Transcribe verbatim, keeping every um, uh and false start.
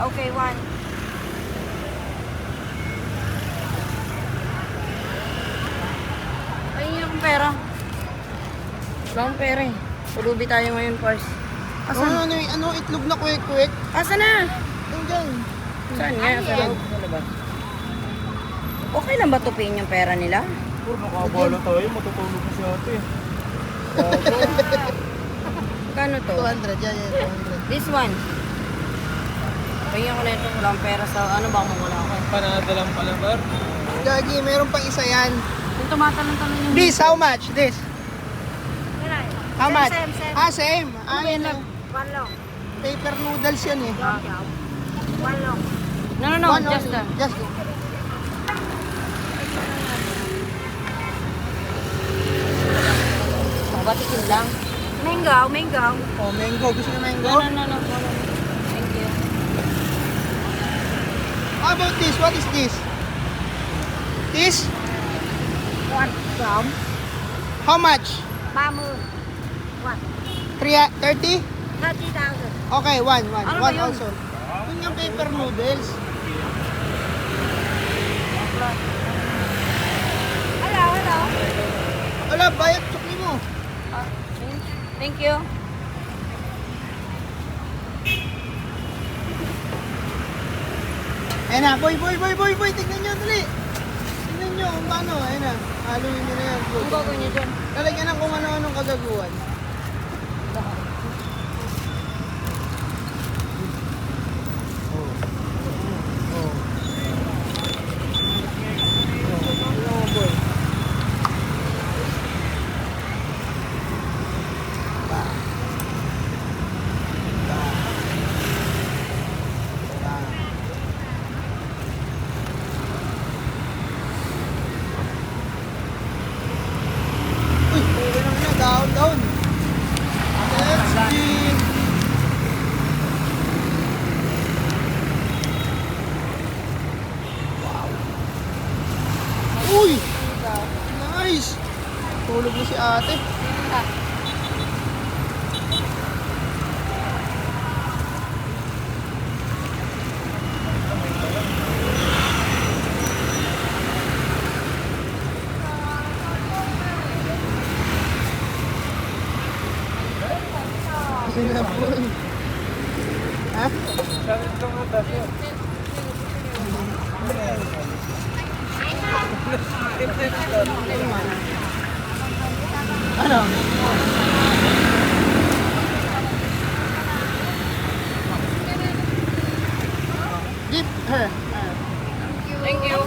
Okay, one. Ayun yung pera. Wala akong pera eh. Pulubi tayo ngayon, Pars. Ano, Asan? ano, ano, itlog na kwek-kwek? Asan na? Yung dyan. Saan nga? Sa loob? Sa labas? Okay lang ba tupiin yung pera nila? Puro nakabala tayo, matutulog na si ate. Kano to? two hundred, yan, yan, two hundred. This one. Pahingin ko na ito. Wala akong pera sa... Ano ba kung wala ako? Panadalang pala, bar. Gagi, meron pang isa yan. Yung tumatalon-talon yung... This, how much? This? How Same, much? same, same. Ah, same. Ah, Ano ba yan yun lang? lang. One long. Paper noodles yan eh. One long. No, no, no. One just only. the... Just the. Oh, batikin lang. Mango, mango. Oh, mango. Gusto niyo mango? No, no, no, no. no, no. Thank you. How about this? What is this? This? One from How much? Bamun. One. Three, thirty? thirty thousand. Okay, one, one. Ano ba One yun? also. Yun yung paper noodles. Hello, hello. Wala, bayad sukli mo. Ah, thank you. Ayan na, boy, boy, boy, boy, boy. Tignan nyo, dali. Tignan nyo kung paano. Ayan na. Haluin nyo na yan. Ang gagawin niyo dyan? Lalagyan ng kung ano-anong kagaguhan. Uy, puro naman na. Down, down. Let's see. Uy! Nice! Tulog na si ate. Sila po. Ha? Salit lang na tayo. Ano? Give her. Thank you.